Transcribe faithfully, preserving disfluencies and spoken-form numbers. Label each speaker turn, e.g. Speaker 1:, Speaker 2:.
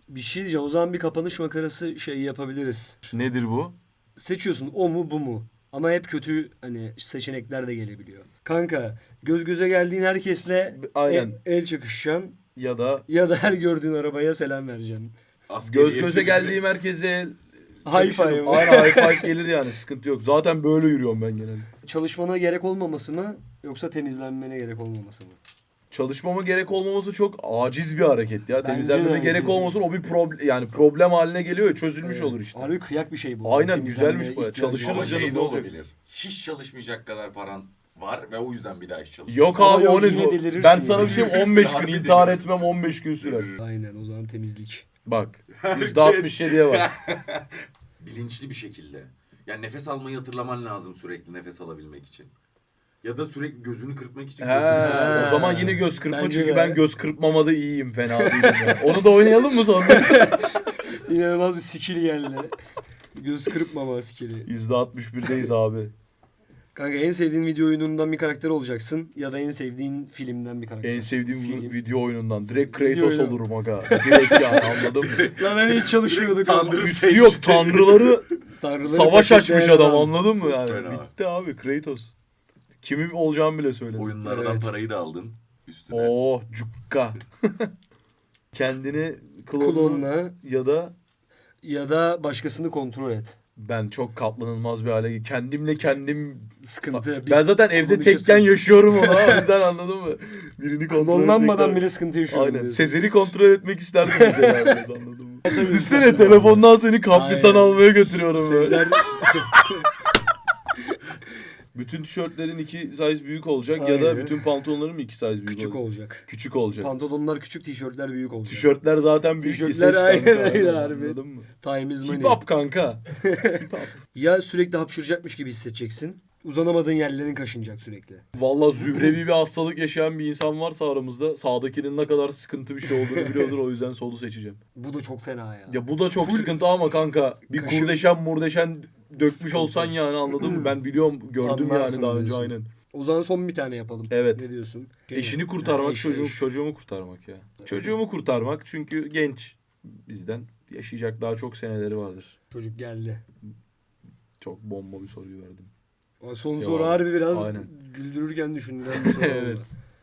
Speaker 1: Bir şey diyeceğim. O zaman bir kapanış makarası şey yapabiliriz.
Speaker 2: Nedir bu?
Speaker 1: Seçiyorsun o mu bu mu? Ama hep kötü hani seçenekler de gelebiliyor. Kanka göz göze geldiğin herkesle
Speaker 2: Aynen.
Speaker 1: el, el çakışacaksın
Speaker 2: Ya da
Speaker 1: ya da her gördüğün arabaya selam vereceksin.
Speaker 2: göz göze geldiğim herkese
Speaker 1: High five.
Speaker 2: Aynen high five gelir yani, sıkıntı yok. Zaten böyle yürüyorum ben genelde.
Speaker 1: Çalışmana gerek olmaması mı yoksa temizlenmene gerek olmaması mı?
Speaker 2: Çalışmama gerek olmaması çok aciz bir hareket ya.
Speaker 1: Bence
Speaker 2: Temizlenmeme
Speaker 1: de
Speaker 2: gerek
Speaker 1: aciz.
Speaker 2: olmasın, o bir problem yani problem haline geliyor ya, çözülmüş
Speaker 1: Evet.
Speaker 2: olur işte.
Speaker 1: Harbi kıyak bir şey bu.
Speaker 2: Aynen,
Speaker 1: Temizlenmeye
Speaker 2: güzelmiş bu ya.
Speaker 1: ihtiyacı
Speaker 2: Çalışırız
Speaker 3: Ama
Speaker 1: var.
Speaker 2: canım,
Speaker 3: şey
Speaker 2: ne
Speaker 3: de
Speaker 2: olacak?
Speaker 3: olabilir. Hiç çalışmayacak kadar paran var ve o yüzden bir daha iş çalışıyor.
Speaker 2: Yok
Speaker 1: Ama
Speaker 2: abi
Speaker 1: yok,
Speaker 2: o ne?
Speaker 1: yine delirirsin
Speaker 2: Ben sana
Speaker 1: yani.
Speaker 2: bir şey on
Speaker 3: Delirirsin,
Speaker 2: beş gün
Speaker 3: harbi
Speaker 2: intihar
Speaker 3: delirirsin.
Speaker 2: etmem, on beş gün sürer.
Speaker 1: Aynen o zaman temizlik.
Speaker 2: Bak
Speaker 3: Herkes-
Speaker 2: yüzde altmış yediye bak.
Speaker 3: Bilinçli bir şekilde. Yani nefes almayı hatırlaman lazım sürekli nefes alabilmek için. Ya da sürekli gözünü kırpmak için
Speaker 2: He,
Speaker 3: gözünü
Speaker 2: o zaman yine göz kırpma,
Speaker 1: Bence
Speaker 2: çünkü
Speaker 1: de.
Speaker 2: ben göz kırpmamada iyiyim, fena değilim ya. Onu da oynayalım mı sonra?
Speaker 1: İnanılmaz bir skill geldi. Göz kırpmama skilli.
Speaker 2: yüzde altmış birdeyiz abi.
Speaker 1: Kanka en sevdiğin video oyunundan bir karakter olacaksın ya da en sevdiğin filmden bir karakter.
Speaker 2: En sevdiğim
Speaker 1: Film.
Speaker 2: video oyunundan. Direkt
Speaker 1: Video
Speaker 2: Kratos
Speaker 1: oyunu.
Speaker 2: olurum aga. Direkt yani, anladın mı?
Speaker 1: Lan hani hiç çalışmıyorduk.
Speaker 3: Tanrı
Speaker 2: Üstü
Speaker 3: seçti.
Speaker 2: yok, tanrıları
Speaker 1: Tanrıları
Speaker 2: savaş açmış
Speaker 1: paketleyen
Speaker 2: adam, anladın mı yani?
Speaker 3: Fena.
Speaker 2: Bitti abi, Kratos. Kimin olacağımı bile söyledim.
Speaker 3: Oyunlardan
Speaker 1: Evet.
Speaker 3: parayı da aldın üstüne.
Speaker 2: Oh cukka. Kendini klonla,
Speaker 1: Klonla
Speaker 2: ya da
Speaker 1: ya da başkasını kontrol et.
Speaker 2: ben çok katlanılmaz bir hale, kendimle kendim
Speaker 1: Sıkıntı.
Speaker 2: ben zaten evde
Speaker 1: kullanışa
Speaker 2: tekken
Speaker 1: sıkıntı.
Speaker 2: yaşıyorum onu, o yüzden anladın mı? Birini kontrol
Speaker 1: Klonlanmadan
Speaker 2: etmek-
Speaker 1: bile sıkıntı yaşıyorum.
Speaker 2: Aynen.
Speaker 1: diyorsun.
Speaker 2: Sezer'i kontrol etmek isterdim mesela, biraz, anladın mı?
Speaker 1: Sen
Speaker 2: Düşünsene
Speaker 1: üzülsün
Speaker 2: telefondan seni kaprisan
Speaker 1: Aynen.
Speaker 2: almaya götürüyorum böyle.
Speaker 1: Sezer
Speaker 2: Bütün tişörtlerin iki size büyük olacak ya da
Speaker 1: Aynen.
Speaker 2: bütün pantolonların mı iki size büyük
Speaker 1: küçük
Speaker 2: olacak?
Speaker 1: olacak.
Speaker 2: Küçük olacak.
Speaker 1: Pantolonlar küçük, tişörtler büyük olacak.
Speaker 2: Tişörtler zaten büyük.
Speaker 1: Tişörtler
Speaker 2: ise
Speaker 1: aynen
Speaker 2: kanka,
Speaker 1: öyle harbi.
Speaker 2: anladın mı?
Speaker 1: Time is money.
Speaker 2: Hip hop kanka. Hip hop.
Speaker 1: Ya sürekli hapşıracakmış gibi hissedeceksin. Uzanamadığın yerlerin kaşınacak sürekli.
Speaker 2: Vallahi zührevi bir hastalık yaşayan bir insan varsa aramızda, sağdakinin ne kadar sıkıntı bir şey olduğunu biliyordur, o yüzden solu seçeceğim.
Speaker 1: Bu da çok fena ya.
Speaker 2: Ya bu da çok
Speaker 1: Full
Speaker 2: sıkıntı ama kanka, bir
Speaker 1: kaşı-
Speaker 2: kurdeşen murdeşen dökmüş
Speaker 1: Sıkıntı.
Speaker 2: olsan yani, anladın mı? Ben biliyorum, gördüm
Speaker 1: Anlarsın
Speaker 2: yani daha önce,
Speaker 1: diyorsun.
Speaker 2: aynen.
Speaker 1: O zaman son bir tane yapalım.
Speaker 2: Evet.
Speaker 1: Ne diyorsun?
Speaker 2: Eşini
Speaker 1: Ha,
Speaker 2: kurtarmak,
Speaker 1: eş,
Speaker 2: çocuğum,
Speaker 1: eş.
Speaker 2: çocuğumu kurtarmak ya. Çocuğumu kurtarmak, çünkü genç bizden, yaşayacak daha çok seneleri vardır.
Speaker 1: Çocuk geldi.
Speaker 2: Çok bomba bir soruyu verdim.
Speaker 1: Son
Speaker 2: Ya,
Speaker 1: soru harbi biraz
Speaker 2: aynen.
Speaker 1: güldürürken düşündüren bir soru oldu.
Speaker 2: Evet.